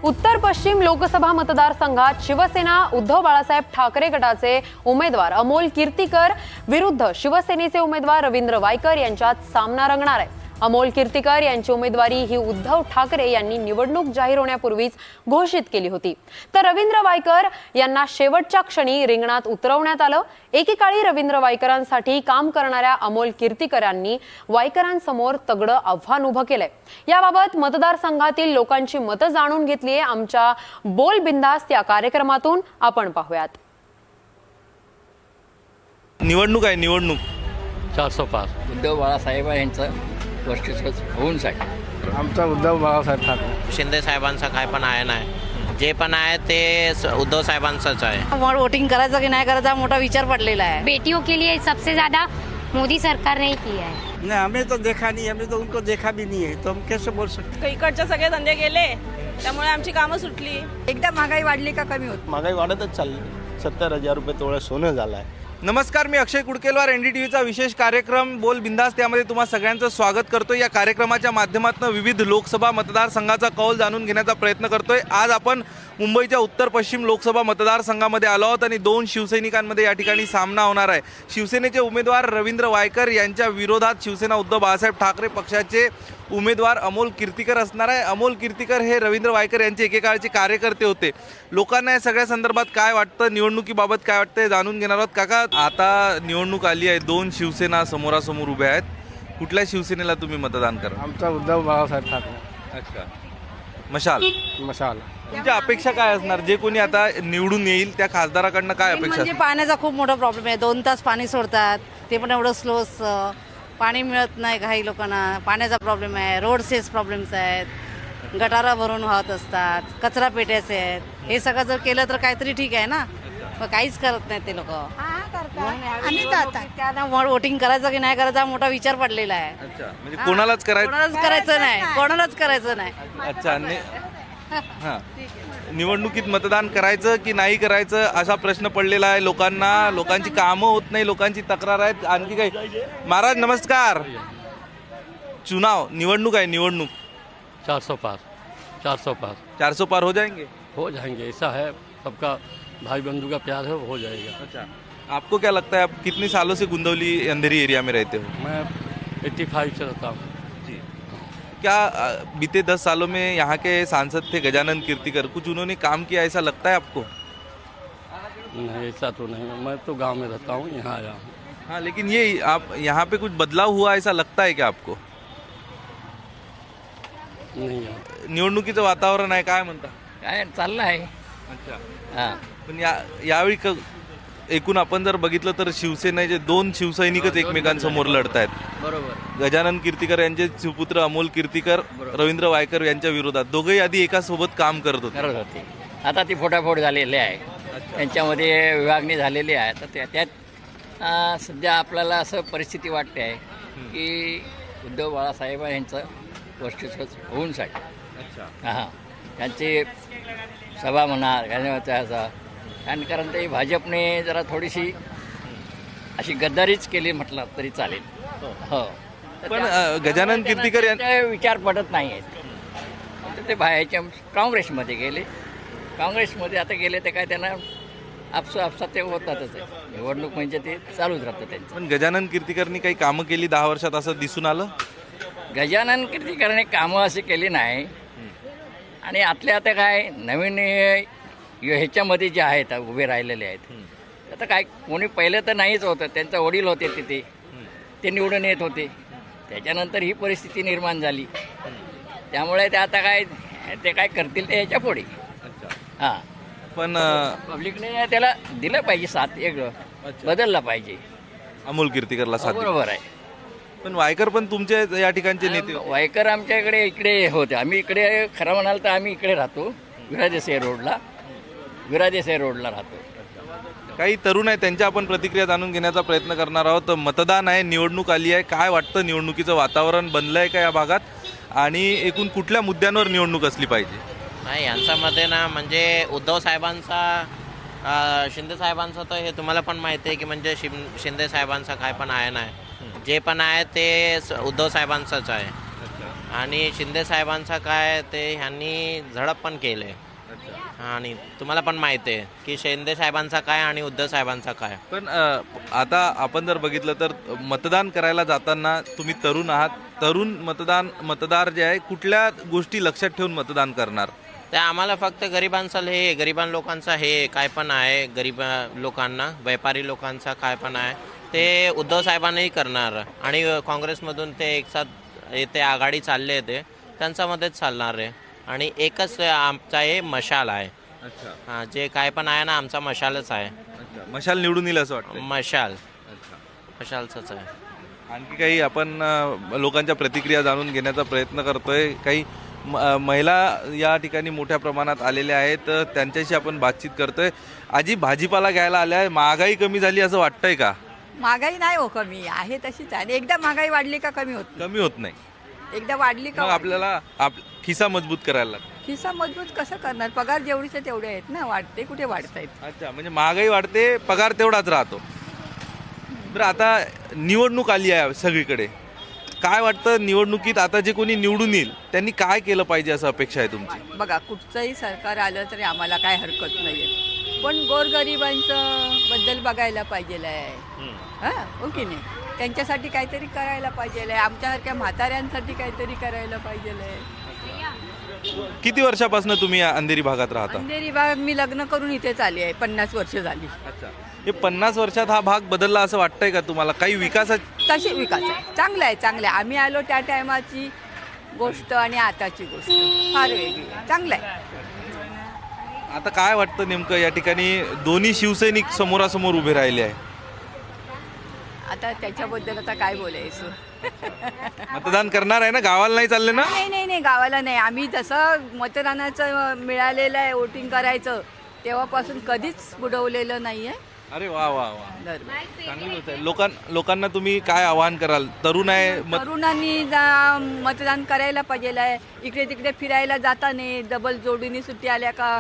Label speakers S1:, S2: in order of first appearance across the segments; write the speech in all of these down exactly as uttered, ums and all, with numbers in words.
S1: उत्तर पश्चिम लोकसभा मतदारसंघात शिवसेना उद्धव बाळासाहेब ठाकरे गटाचे उमेदवार अमोल कीर्तीकर विरुद्ध शिवसेनेचे उमेदवार रवींद्र वायकर यांच्यात सामना रंगणार आहे। अमोल कीर्तीकर यांची उमेदवारी ही उद्धव ठाकरे यांनी निवडणूक जाहीर होण्यापूर्वीच घोषित केली होती, तर रवींद्र वायकर यांना शेवटच्या क्षणी रिंगणात उतरवण्यात आलं। एकेकाळी रवींद्र वायकरांसाठी काम करणाऱ्या अमोल कीर्तीकरांनी वायकरांसमोर तगडं आव्हान उभं केलंय। याबाबत मतदारसंघातील लोकांची मतं जाणून घेतली आहे। आमच्या बोल बिंदास्त या कार्यक्रमातून आपण पाहूयात।
S2: निवडणूक आहे निवडणूक
S3: चारशे पार
S4: उद्धव बाळासाहेब यांचं वर्चस्व होऊन साठी
S5: आमचा उद्धव बाळासाहेब ठाकरे
S6: शिंदे साहेबांचा काय पण आहे नाही, जे पण आहे ते उद्धव साहेबांचंच आहे।
S7: वोटिंग करायचं की नाही करायचा मोठा विचार पडलेला है।
S8: बेटियों के लिए सबसे ज्यादा मोदी सरकार ने किया है।
S5: नहीं, हमें तो देखा नहीं, हमने तो उनको देखा भी नहीं है, तो हम कैसे बोल सकते।
S9: इकडचे सगळे धंदे गेले त्यामुळे आमची कामं सुटली।
S7: एकदा महागाई वाढली का कमी होत?
S10: महागाई वाढतच चालली। सत्तर हजार रुपये तोळा सोनं झालं आहे।
S2: नमस्कार, मी Akshay Kudkelwar, N D T व्हीचा विशेष कार्यक्रम बोल बिंदास त्यामध्ये तुम्हा सगळ्यांचं स्वागत करतोय। या कार्यक्रमाच्या माध्यमातून विविध लोकसभा मतदारसंघाचा कौल जाणून घेण्याचा प्रयत्न करतोय। आज आपण मुंबईच्या उत्तर पश्चिम लोकसभा मतदारसंघामध्ये आलो आहोत आणि दोन शिवसैनिकांमध्ये या ठिकाणी सामना होणार आहे। शिवसेनेचे उमेदवार रवींद्र वायकर यांच्या विरोधात शिवसेना उद्धव बाळासाहेब ठाकरे पक्षाचे उमेदवार अमोल कीर्तीकर असणार आहे। अमोल कीर्तीकर हे रवींद्र वायकर यांचे एकेकाळचे कार्यकर्ते होते। लोकांना या सगळ्या संदर्भात काय वाटतं, निवडणुकीबाबत काय वाटतं हे जाणून घेणार आहोत। काका, आता निवडणूक आली आहे, दोन शिवसेना समोरासमोर उभ्या आहेत, कुठल्या शिवसेनेला तुम्ही मतदान करा?
S5: आमचा उद्धव बाळासाहेब ठाकरे।
S2: अच्छा, मशाल
S5: मशाल।
S2: तुमच्या अपेक्षा काय असणार, जे कोणी आता निवडून येईल त्या खासदाराकडनं काय अपेक्षा
S7: म्हणजे पाण्याचा खूप मोठा प्रॉब्लेम आहे। दोन तास पाणी सोडतात, ते पण एवढं स्लो असतं, पाणी मिळत नाही काही लोकांना, पाण्याचा प्रॉब्लेम आहे, रोडचेच प्रॉब्लेम्स आहेत, गटारा भरून वाहत असतात, कचरा पेट्याचे आहेत। हे सगळं जर केलं तर काहीतरी ठीक आहे ना, पण काहीच करत नाही ते लोक। त्यांना वोटिंग करायचं की नाही करायचा मोठा विचार पडलेला आहे।
S2: अच्छा, म्हणजे कोणालाच करायचं
S7: कोणालाच करायचं नाही, कोणालाच करायचं नाही।
S2: अच्छा, हां, निवडणुकीत मतदान करायचं की नाही करायचं असा प्रश्न पडलेला आहे लोकांना। लोकांची कामं होत नाही, लोकांची तक्रार आहेत। आणखी काही? महाराज नमस्कार, चुनाव निवडणूक आहे निवडणूक
S3: चारशे पार चारशे पार
S2: चार सौ पार हो जाएंगे?
S3: हो जाएंगे, ऐसा है, सबका भाई बंधु का प्यार है, हो जाएगा।
S2: अच्छा, आपको क्या लगता है, आप कितने सालों से गुंदौली अंधेरी एरिया में रहते हो?
S3: मैं एट्टी फाइव से रहता हूँ।
S2: जी, क्या अ, बीते दस सालों में यहाँ के सांसद थे गजानन कीर्तिकर, कुछ उन्होंने काम किया ऐसा लगता है आपको?
S3: नहीं, ऐसा तो नहीं है, मैं तो गांव में रहता हूँ, यहाँ आया हूँ।
S2: हाँ, लेकिन ये आप यहाँ पे कुछ बदलाव हुआ ऐसा लगता है क्या आपको?
S3: नहीं है।
S2: निवडणुकीचं वातावरण आहे, काय म्हणता?
S4: काय चाललं आहे।
S2: अच्छा,
S4: हां,
S2: पण या यावेळी क एकूण आपण जर बघितलं तर शिवसेनेचे दोन शिवसैनिकच एकमेकांसमोर लढत आहेत।
S4: बरोबर
S2: गजानन कीर्तिकर यांचे सुपुत्र अमोल कीर्तिकर रवींद्र वायकर यांच्या विरोधात, दोघेही आधी एका सोबत काम करत होते।
S4: करत होते, आता ती फोटाफोट झालेली आहे, त्यांच्यामध्ये विभागणी झालेली आहे। तर त्या त्यात अं, सध्या आपल्याला असं परिस्थिती वाटते आहे की उद्धव बाळासाहेब यांचं वर्चस्व होऊन साठी
S2: अच्छा,
S4: हां, त्यांची सभा म्हणा त्याचा, कारण कारण ते भाजपने जरा थोडीशी अशी गद्दारीच केली म्हटलं तरी चालेल। हो, तर
S2: पण
S4: त्या-
S2: अ, गजानन कीर्तिकर यां-
S4: त्यांचे विचार पडत नाही आहेत, तर ते बाहेरच्या काँग्रेसमध्ये गेले। काँग्रेसमध्ये आता गेले ते काय त्यांना आपसं आपसात ते होतातच आहे, निवडणूक म्हणजे ते चालूच राहतं त्यांचं।
S2: पण गजानन कीर्तिकरनी काही कामं केली दहा वर्षात असं दिसून आलं?
S4: गजानन कीर्तिकरने कामं अशी केली नाही, आणि आतल्या आता काय नवीन ह्याच्यामध्ये जे आहेत उभे राहिलेले आहेत, आता काय कोणी पहिले तर नाहीच होतं, त्यांचे वडील होते तिथे, ते निवडून येत होते, त्याच्यानंतर ही परिस्थिती निर्माण झाली, त्यामुळे ते आता काय ते काय करतील ते ह्याच्या पुढे। हां,
S2: पण अ,
S4: पब्लिकने त्याला दिलं पाहिजे साथ, एक बदलला पाहिजे।
S2: अमोल कीर्तिकरला साथ दिली.
S4: बरोबर आहे।
S2: पण वायकर पण तुमचे या ठिकाणचे नेते होते.
S4: वायकर आमच्या इकडे इकडे होते, आम्ही इकडे खरं म्हणाल तर आम्ही इकडे राहतो, विरादेसाई रोडला विरादेसाई रोडला राहतो।
S2: काही तरुण आहे, त्यांच्या आपण प्रतिक्रिया जाणून घेण्याचा प्रयत्न करणार आहोत। मतदान आहे, निवडणूक आली आहे, काय वाटतं, निवडणुकीचं वातावरण बनलं आहे का या भागात, आणि एकूण कुठल्या मुद्द्यांवर निवडणूक असली पाहिजे?
S6: नाही, यांच्यामध्ये ना म्हणजे उद्धव साहेबांचा अ, शिंदे साहेबांचं तर हे तुम्हाला पण माहिती आहे की म्हणजे शिं शिंदे साहेबांचा काय पण आहे नाही, जे पण आहे ते उद्धव साहेबांचंच आहे। आणि शिंदे साहेबांचा काय ते ह्यांनी झडप पण केले. आणि तुम्हाला पण माहिती आहे की शिंदे साहेबांचा काय आणि उद्धव साहेबांचा काय.
S2: पण अ, आता आपण जर बघितलं तर मतदान करायला जाताना तुम्ही तरुण आहात, तरुण मतदान मतदार जे आहे कुठल्या गोष्टी लक्षात ठेवून मतदान करणार?
S6: ते आम्हाला फक्त गरिबांचा हे गरिबां लोकांचा हे काय पण आहे, गरीब लोकांना व्यापारी लोकांचा काय पण आहे ते उद्धव साहेबांनाही करणार. आणि काँग्रेसमधून ते एक साथ ते आघाडी चालले ते त्यांच्यामध्येच चालणार आहे. आणि एकच आमचा हे मशाल आहे.
S2: अच्छा
S6: हां, जे काय पण आहे ना आमचा मशालच आहे.
S2: अच्छा मशाल निवडून येईल असं वाटतं?
S6: मशाल
S2: अच्छा.
S6: मशालचंच आहे.
S2: आणखी काही आपण अ, लोकांच्या प्रतिक्रिया जाणून घेण्याचा प्रयत्न करतोय. काही म- अ, महिला या ठिकाणी मोठ्या प्रमाणात आलेल्या आहेत, अ, त्यांच्याशी आपण बातचीत करतोय. आजी भाजीपाला घ्यायला आल्या आहे, महागाई कमी झाली असं वाटतंय का?
S11: महागाई नाही हो कमी आहे तशीच आहे. एकदा महागाई वाढली का कमी होत
S2: कमी होत नाही.
S11: नाही. एकदा वाढली का
S2: मग आपल्याला आप खिसा मजबूत करायला लागतो.
S11: खिसा मजबूत कसं करणार? पगार जेवढीचे तेवढे आहेत ना, वाढते कुठे वाढत आहेत.
S2: अच्छा म्हणजे महागाई वाढते, पगार तेवढाच राहतो. बरं आता निवडणूक आली आहे सगळीकडे, काय वाटतं निवडणुकीत आता जे कोणी निवडून येईल त्यांनी काय केलं पाहिजे असं अपेक्षा आहे तुमची?
S11: बघा कुठचंही सरकार आलं तरी आम्हाला काय हरकत नाही आहे, पण गोरगरिबांचं बद्दल बघायला पाहिजे आहे. हां हो की नाही? त्यांच्यासाठी काहीतरी करायला पाहिजे आहे. आमच्यासारख्या म्हाताऱ्यांसाठी काहीतरी करायला पाहिजे आहे.
S2: किती वर्षापासून तुम्ही या अंधेरी भागात राहता?
S11: अंधेरी भाग मी लग्न करून इथेच आली आहे, पन्नास वर्ष झाली.
S2: अच्छा हे पन्नास वर्षात हा भाग बदलला असं वाटतंय का तुम्हाला? काही विकासा
S11: तशी विकास आहे, चांगलं आहे चांगलं आहे. आम्ही आलो त्या टायमाची गोष्ट आणि आताची गोष्ट फार वेगळी आहे. चांगलं आहे.
S2: आता काय वाटतं नेमकं या ठिकाणी दोन्ही शिवसैनिक समोरासमोर उभे राहिले आहे,
S11: आता त्याच्याबद्दल आता काय बोलायचं?
S2: मतदान करणार आहे ना? गावाला नाही चालले ना?
S11: नाही नाही नाही गावाला नाही. आम्ही जसं मतदानाचं मिळालेलं आहे वोटिंग करायचं तेव्हापासून कधीच बुडवलेलं नाही आहे.
S2: अरे वा वा वा,
S11: बरोबर.
S2: चांगली गोष्ट आहे. लोकां लोकांना तुम्ही काय आवाहन कराल? तरुण आहे मत
S11: तरुणांनी जा मतदान करायला पाहिजे आहे. इकडे तिकडे फिरायला जाता नाही, डबल जोडीने सुट्टी आल्या का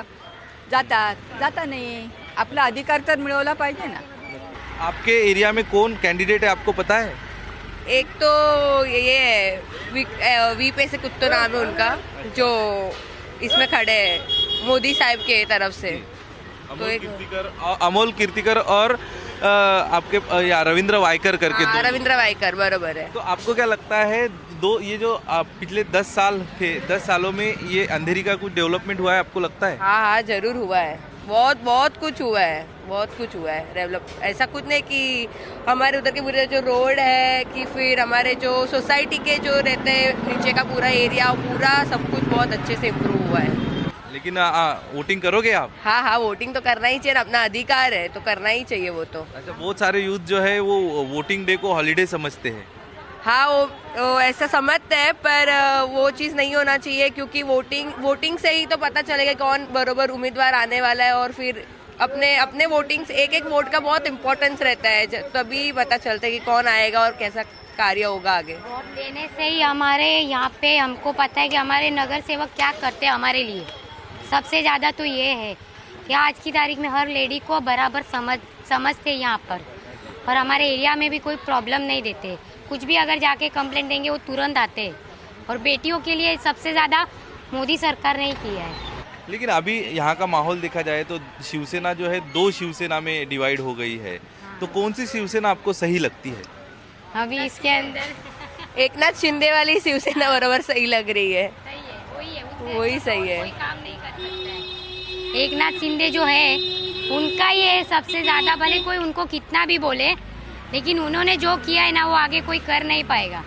S11: जातात, जाता नाही. आपला अधिकार तर मिळवला पाहिजे ना.
S2: आपके एरिया में कौन कैंडिडेट है आपको पता है?
S9: एक तो ये है वी, अ, वी पे से कुत्तो नाम है उनका, जो इसमें खड़े हैं मोदी साहब के तरफ से.
S2: अमोल
S9: एक-
S2: कीर्तिकर अ- अमोल कीर्तिकर और अ, आपके अ, या रविंद्र वायकर करके
S9: हाँ,
S2: दो.
S9: रविंद्र वाइकर बरोबर है.
S2: तो आपको क्या लगता है दो ये जो अ, पिछले दस साल थे, दस सालों में ये अंधेरी का कुछ डेवलपमेंट हुआ है आपको लगता है?
S9: हाँ हाँ जरूर हुआ है. बहुत बहुत कुछ हुआ है, बहुत कुछ हुआ है डेवलप. ऐसा कुछ नहीं कि हमारे उधर के पूरे जो रोड है कि फिर हमारे जो सोसाइटी के जो रहते हैं नीचे का पूरा एरिया पूरा सब कुछ बहुत अच्छे से इम्प्रूव हुआ है.
S2: लेकिन वोटिंग करोगे आप?
S9: हाँ हाँ वोटिंग तो करना ही चाहिए, अपना अधिकार है तो करना ही चाहिए वो तो.
S2: अच्छा बहुत सारे यूथ जो है वो वोटिंग डे को हॉलीडे समझते हैं.
S9: हाँ वो, वो ऐसा समझते हैं पर अ, वो चीज़ नहीं होना चाहिए क्योंकि वोटिंग वोटिंग से ही तो पता चलेगा कौन बरोबर उम्मीदवार आने वाला है. और फिर अपने अपने वोटिंग से एक एक वोट का बहुत इम्पोर्टेंस रहता है, ज- तभी पता चलता है कि कौन आएगा और कैसा कार्य होगा आगे.
S8: वोट देने से ही हमारे यहाँ पे हमको पता है कि हमारे नगर सेवक क्या करते हैं हमारे लिए. सबसे ज़्यादा तो ये है कि आज की तारीख में हर लेडी को बराबर समझ समझते हैं यहाँ पर, और हमारे एरिया में भी कोई प्रॉब्लम नहीं देते. कुछ भी अगर जाके कंप्लेंट देंगे वो तुरंत आते हैं. और बेटियों के लिए सबसे ज़्यादा मोदी सरकार ने ही किया है.
S2: लेकिन अभी यहाँ का माहौल देखा जाए तो शिवसेना जो है दो शिवसेना में डिवाइड हो गई है, तो कौन सी शिवसेना आपको सही लगती है?
S8: अभी इसके अंदर
S9: एक नाथ शिंदे वाली शिवसेना बरोबर सही लग रही है.
S8: सही है, वही है, उससे
S9: वही
S8: अच्छा
S9: सही है.
S8: कोई काम नहीं कर सकता है. एक नाथ शिंदे जो है उनका ये सबसे ज़्यादा, भले कोई उनको कितना भी बोले लेकिन उन्होंने जो किया है ना वो आगे कोई कर नहीं पाएगा.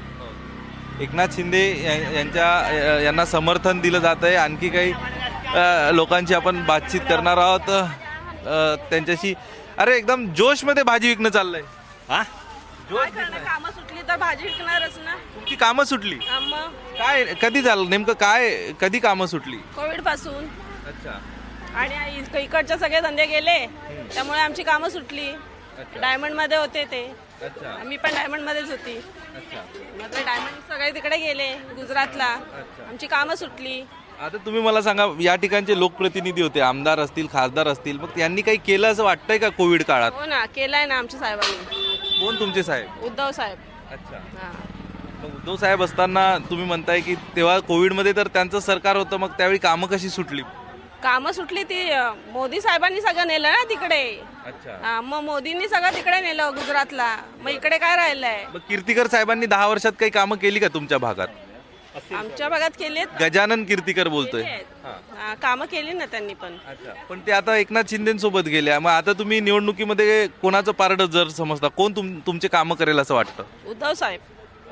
S2: एकनाथ शिंदे या- यांच्या यांना समर्थन दिलं जात आहे. आणखी काही अ, लोकांची आपण बातचीत करणार आहोत अ, त्यांच्याशी. अरे एकदम जोशमध्ये भाजी विकणं चाललंय.
S6: हा
S2: जोश
S9: काय करणार, कामं सुटली तर भाजी विकणारच ना.
S2: तुमची कामं सुटली?
S9: हा, मग
S2: काय कधी झालं नेमकं? काय कधी कामं सुटली?
S9: कोविड पासून
S2: अच्छा
S9: आणि इक- इकडचे सगळे धंदे गेले त्यामुळे आमची कामं सुटली. डायमंड मध्ये होते ते,
S2: अच्छा
S9: मी पण डायमंड मध्येच होती.
S2: अच्छा.
S9: मग ते डायमंड सगळे तिकडे गेले गुजरातला, आमची कामं सुटली.
S2: आता तुम्ही मला सांगा, या ठिकाणचे लोकप्रतिनिधी होते, आमदार असतील, खासदार असतील, मग त्यांनी काही केलं असं वाटतंय का कोविड काळात?
S9: हो ना, केलाय ना आमच्या साहेबांनी.
S2: कोण तुमचे साहेब?
S9: उद्धव साहेब.
S2: अच्छा.
S9: हा
S2: मग उद्धव साहेब असताना तुम्ही म्हणताय की तेव्हा कोविडमध्ये तर त्यांचं सरकार होतं, मग त्यावेळी कामं कशी सुटली?
S9: कामं सुटली ती अं, मोदी साहेबांनी सगळं नेलं ना तिकडे.
S2: अच्छा.
S9: हा, मग मोदींनी सगळं तिकडे नेलं गुजरातला. मग इकडे काय राहिलंय?
S2: मग कीर्तीकर साहेबांनी दहा वर्षात काही कामं केली का तुमच्या भागात?
S9: आमच्या भागात केलेत.
S2: गजानन कीर्तीकर बोलतोय.
S9: हा, कामं केली ना त्यांनी पण.
S2: अच्छा, पण ते आता एकनाथ शिंदेसोबत गेल्या, मग आता तुम्ही निवडणुकीमध्ये कोणाचं पारड जर समजता, कोण तुम तुमचे कामं करेल असं वाटतं?
S9: उद्धव साहेब.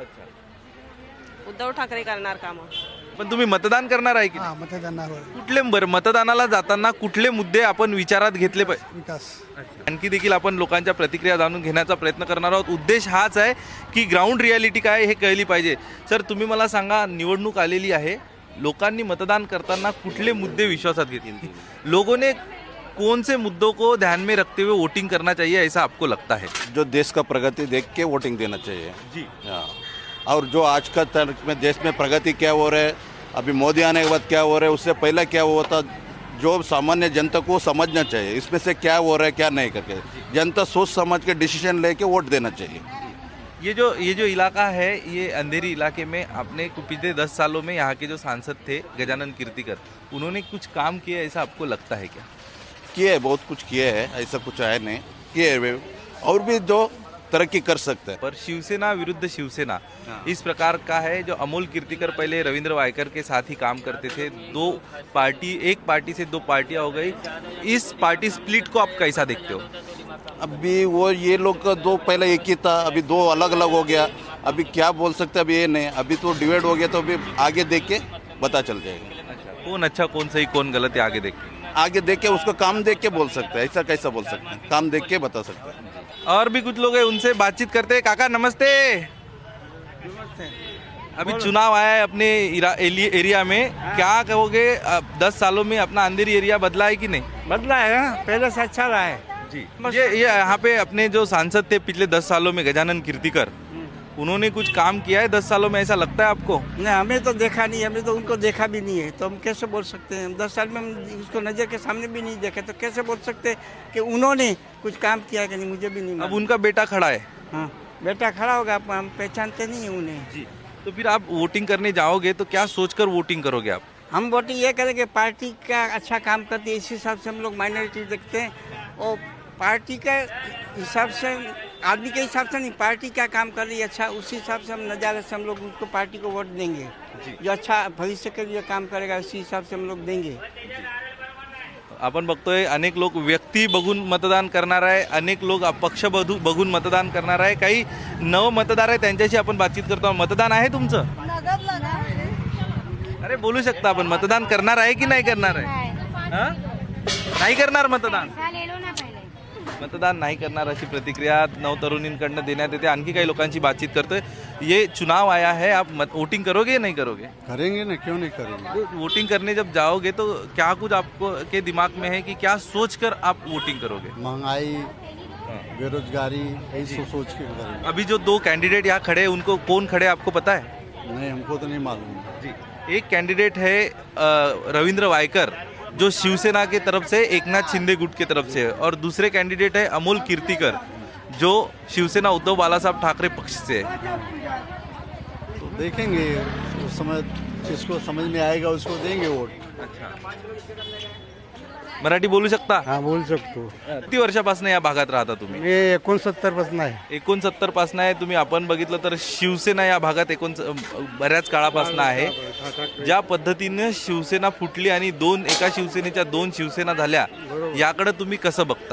S9: उद्धव ठाकरे करणार कामं.
S2: पण तुम्ही मतदान करणार आहे की नाही?
S5: मतदानावर
S2: कुठले बरं मतदानाला जाताना कुठले मुद्दे आपण विचारात घेतले पाहिजे?
S5: विकास.
S2: आणखी देखील आपण लोकांच्या प्रतिक्रिया जाणून घेण्याचा प्रयत्न करणार आहोत. उद्देश हाच आहे की ग्राउंड रियालिटी काय हे कळली पाहिजे. सर, तुम्ही मला सांगा, निवडणूक आलेली आहे, लोकांनी मतदान करताना कुठले मुद्दे विश्वासात घेतील? लोगों ने कौन से मुद्दों को ध्यान में रखते हुए वोटिंग करना चाहिए, ऐसा आपको लगता है?
S10: जो देश का प्रगति देख के वोटिंग देना चाहिए
S2: जी.
S10: हाँ। और जो आज का तर्क में देश में प्रगति क्या हो रहा है, अभी मोदी आने के बाद क्या हो रहा है, उससे पहले क्या हुआ था, जो सामान्य जनता को समझना चाहिए इसमें से क्या हो रहा है क्या नहीं करके, जनता सोच समझ के डिसीजन लेके वोट देना चाहिए.
S2: ये जो ये जो इलाका है, ये अंधेरी इलाके में आपने पिछले दस सालों में यहाँ के जो सांसद थे गजानन कीर्तिकर, उन्होंने कुछ काम किया ऐसा आपको लगता है क्या?
S10: किए है, बहुत कुछ किए है, ऐसा कुछ है नहीं, किए है वे, और भी जो तरक्की कर सकते हैं.
S2: पर शिवसेना विरुद्ध शिवसेना इस प्रकार का है. जो अमोल कीर्तिकर पहले रविंद्र वायकर के साथ ही काम करते थे, दो पार्टी एक पार्टी से दो पार्टियां हो गई. इस पार्टी स्प्लिट को आप कैसा देखते हो?
S10: अभी वो ये लोग का दो पहले एक ही था, अभी दो अलग अलग हो गया. अभी क्या बोल सकते हैं, अभी ये नहीं, अभी तो डिवाइड हो गया, तो अभी आगे देख के पता चल जाएगा.
S2: अच्छा, कौन अच्छा कौन सही कौन गलत है आगे देख के?
S10: आगे देख के उसका काम देख के बोल सकते हैं, ऐसा कैसा बोल सकते हैं, काम देख के बता सकते हैं.
S2: और भी कुछ लोग हैं, उनसे बातचीत करते हैं. काका नमस्ते. अभी चुनाव आया है अपने इरा- एली- एरिया में, क्या कहोगे? अब दस सालों में अपना अंधेरी एरिया बदला है कि नहीं?
S5: बदला है ना, पहले से अच्छा रहा है.
S2: जी. ये ये यहाँ पे अपने जो सांसद थे पिछले दस सालों में गजानन कीर्तिकर, उन्होंने कुछ काम किया है दस सालों में, ऐसा लगता है आपको?
S5: नहीं, हमें तो देखा नहीं, हमने तो उनको देखा भी नहीं है, तो हम कैसे बोल सकते हैं? दस साल में हम उसको नज़र के सामने भी नहीं देखे, तो कैसे बोल सकते कि उन्होंने कुछ काम किया है कि नहीं? मुझे भी नहीं
S2: अब
S5: मालूम.
S2: उनका बेटा खड़ा है.
S5: हाँ, बेटा खड़ा होगा, आप- हम पहचानते नहीं हैं उन्हें.
S2: जी. तो फिर आप वोटिंग करने जाओगे तो क्या सोचकर वोटिंग करोगे आप?
S5: हम वोटिंग ये करें कि पार्टी का अच्छा काम करती है, इस हिसाब से हम लोग माइनॉरिटी देखते हैं, और पार्टी का हिसाब से, आदमी के हिसाब से नहीं, पार्टी क्या काम कर रही है अच्छा, उस हिसाब से हम नज़ारे से हम लोग उसको पार्टी को वोट देंगे. जो अच्छा भविष्य के लिए काम करेगा उसी हिसाब से हम लोग देंगे.
S2: आपण बघतोय अनेक लोक व्यक्ती बघून मतदान करणार आहे, अनेक लोक पक्ष बघू- बघून मतदान करणार आहे, काही नव मतदार आहे त्यांच्याशी आपण बातचीत करतो. मतदान आहे तुमचं? अरे बोलू शकता आपण, मतदान करणार आहे की नाही करणार आहे? हा? नाही करणार मतदान?
S8: ले लो ना पहले.
S2: मतदान नाही करणार अशी प्रतिक्रिया नवतरुणींकडनं देण्यात येते. आणखी काही लोकांची बातचीत करतोय. ये चुनाव आया है, आप मत वोटिंग करोगे या नहीं करोगे?
S10: करेंगे ना, क्यों नहीं करेंगे.
S2: वोटिंग करने जब जाओगे तो क्या कुछ आपको के दिमाग में है कि क्या सोचकर आप वोटिंग करोगे?
S10: महंगाई, बेरोजगारी, यही सोच सोच के करेंगे.
S2: अभी जो दो कैंडिडेट यहाँ खड़े हैं, उनको कौन खड़े हैं आपको पता है?
S10: नहीं, हमको तो नहीं मालूम.
S2: जी. एक कैंडिडेट है अ, रविंद्र वायकर, जो शिवसेना के तरफ से, एकनाथ शिंदे गुट के तरफ से है, और दूसरे कैंडिडेट है अमोल कीर्तिकर, जो शिवसेना उद्धव बालासाहेब ठाकरे पक्ष से है.
S10: तो देखेंगे, उस समय जिसको समझ में आएगा उसको देंगे वोट.
S2: मराठी बोलू शकता?
S5: हाँ, बोल सकतो.
S2: किती वर्षापासून या भागात राहता तुम्ही?
S5: मी एकोणसत्तर पासून आहे.
S2: एकोणसत्तर पासून आहे तुम्ही. आपण बघितलं तर शिवसेना या भागात एकोण बऱ्याच काळापासून आहे. ज्या पद्धतीने शिवसेना फुटली आणि दोन एका शिवसेनेच्या दोन शिवसेना झाल्या, याकडे तुम्ही कसं बघता?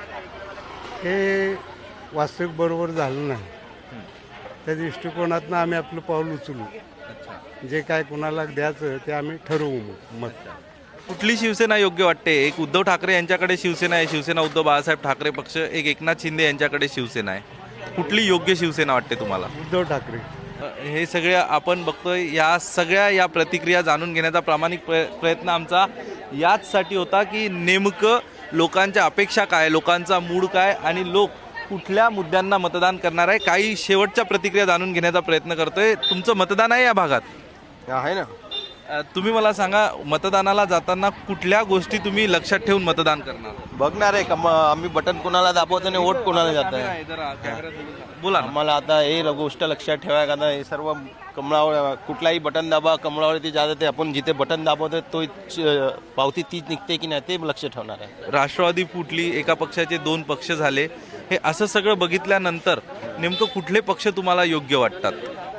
S5: हे वास्तविक बरोबर झालं नाही. त्या दृष्टिकोनातनं आम्ही आपलं पाऊल उचलू. जे काय कोणाला द्यायचं ते आम्ही ठरवू मत.
S2: कुठली शिवसेना योग्य वाटते? एक उद्धव ठाकरे यांच्याकडे शिवसेना आहे, शिवसेना उद्धव बाळासाहेब ठाकरे पक्ष, एक एकनाथ शिंदे यांच्याकडे शिवसेना आहे. कुठली योग्य शिवसेना वाटते तुम्हाला?
S5: उद्धव ठाकरे.
S2: हे सगळे आपण बघतोय. या सगळ्या या प्रतिक्रिया जाणून घेण्याचा प्रामाणिक प्रय प्रयत्न आमचा याचसाठी होता की नेमकं लोकांच्या अपेक्षा काय, लोकांचा मूड काय आणि लोक कुठल्या मुद्द्यांना मतदान करणार आहे. काही शेवटच्या प्रतिक्रिया जाणून घेण्याचा प्रयत्न करतोय. तुमचं मतदान आहे या भागात?
S10: आहे ना.
S2: अ, तुम्ही मला सांगा, मतदानाला जाताना कुठल्या गोष्टी तुम्ही लक्षात ठेवून मतदान करणार?
S12: बघणार आहे का मग आम्ही बटन कोणाला दाबवतो आणि वोट कोणाला जात
S2: कॅमेरा
S12: आहे
S2: आहे, जरा कॅमेऱ्यात बघून सांगा. बोला ना.
S12: आम्हाला आता हे ल- गोष्ट लक्षात ठेवाय का आता हे सर्व कमळावर कुठलाही बटन दाबा कमळावरती जात ते आपण जिथे बटन दाबवतो तो पावती तीच निघते की नाही ते लक्ष ठेवणार आहे.
S2: राष्ट्रवादी फुटली, एका पक्षाचे दोन पक्ष झाले, हे असं सगळं बघितल्यानंतर नेमकं कुठले पक्ष तुम्हाला योग्य वाटतात?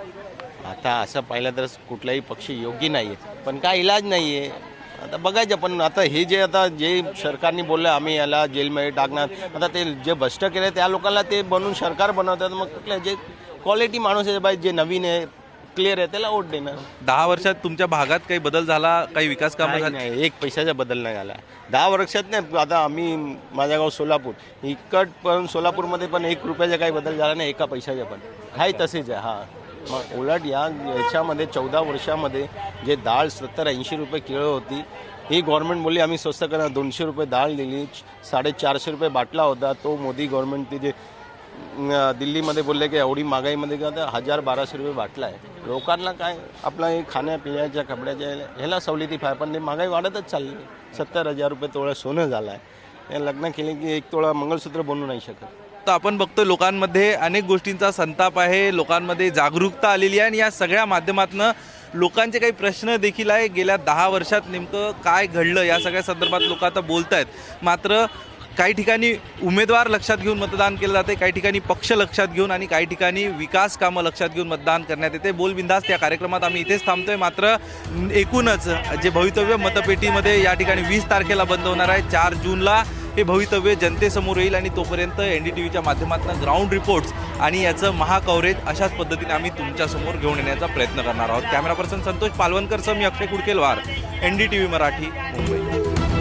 S12: आता असं पाहिलं तर कुठलाही पक्ष योग्य नाही आहे पण काय इलाज नाही आहे. आता बघायचं पण आता हे जे आता जे सरकारने बोललं आम्ही याला जेलमध्ये टाकणार, आता ते जे भ्रष्ट केले त्या लोकांना ते बनवून सरकार बनवतात, मग कुठल्या जे क्वालिटी माणूस आहे बाई जे नवीन आहे क्लिअर आहे त्याला वोट देणार.
S2: दहा वर्षात तुमच्या भागात काही बदल झाला, काही विकास कामं
S12: काही
S2: झाली?
S12: नाही, एक पैशाचा बदल नाही झाला दहा वर्षात. नाही आता आम्ही माझं गाव सोलापूर इकट पण सोलापूरमध्ये पण एक रुपयाचा काही बदल झाला नाही, एका पैशाचा पण हाय तसेच आहे. हां मग उलट या याच्यामध्ये चौदा वर्षामध्ये जे डाळ सत्तर ऐंशी रुपये किलो होती ही गव्हर्नमेंट बोलली आम्ही स्वस्त करणार, दोनशे रुपये डाळ दिली, साडेचारशे रुपये बाटला होता तो मोदी गव्हर्नमेंट ते जे अं, दिल्लीमध्ये बोलले की एवढी महागाईमध्ये का तर हजार बाराशे रुपये बाटला आहे. लोकांना काय आपला हे खाण्यापिण्याच्या कपड्याच्या ह्याला सवलती पाहिजे पण ते महागाई वाढतच चालली. सत्तर हजार रुपये तोळा सोनं झालं आहे, लग्न केले की एक तोळा मंगळसूत्र बनवू नाही शकत.
S2: तर आपण बघतो लोकांमध्ये अनेक गोष्टींचा संताप आहे, लोकांमध्ये जागरूकता आलेली आहे आणि या सगळ्या माध्यमातून लोकांचे काही प्रश्न देखील आहे. गेल्या दहा वर्षात नेमकं काय घडलं या सगळ्या संदर्भात लोक आता बोलत आहेत. मात्र काही ठिकाणी उमेदवार लक्षात घेऊन मतदान केलं जाते, काही ठिकाणी पक्ष लक्षात घेऊन आणि काही ठिकाणी विकास कामं लक्षात घेऊन मतदान करण्यात येते. बोल बिंदास त्या कार्यक्रमात आम्ही इथेच थांबतोय. मात्र एकूणच जे भवितव्य मतपेटीमध्ये या ठिकाणी वीस तारखेला बंद होणार आहे, चार जूनला हे भवितव्य जनतेसमोर येईल आणि तोपर्यंत एन डी टी व्हीच्या माध्यमातून ग्राउंड रिपोर्ट्स आणि याचं महाकव्हरेज अशाच पद्धतीने आम्ही तुमच्यासमोर घेऊन येण्याचा प्रयत्न करणार आहोत. कॅमेरा पर्सन संतोष पालवणकर सह मी Akshay Kudkelwar, N D T V Marathi, Mumbai.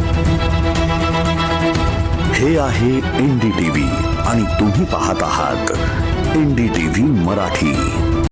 S13: हे आहे एन डी टी व्ही आणि तुम्ही पाहत आहात N D T V Marathi.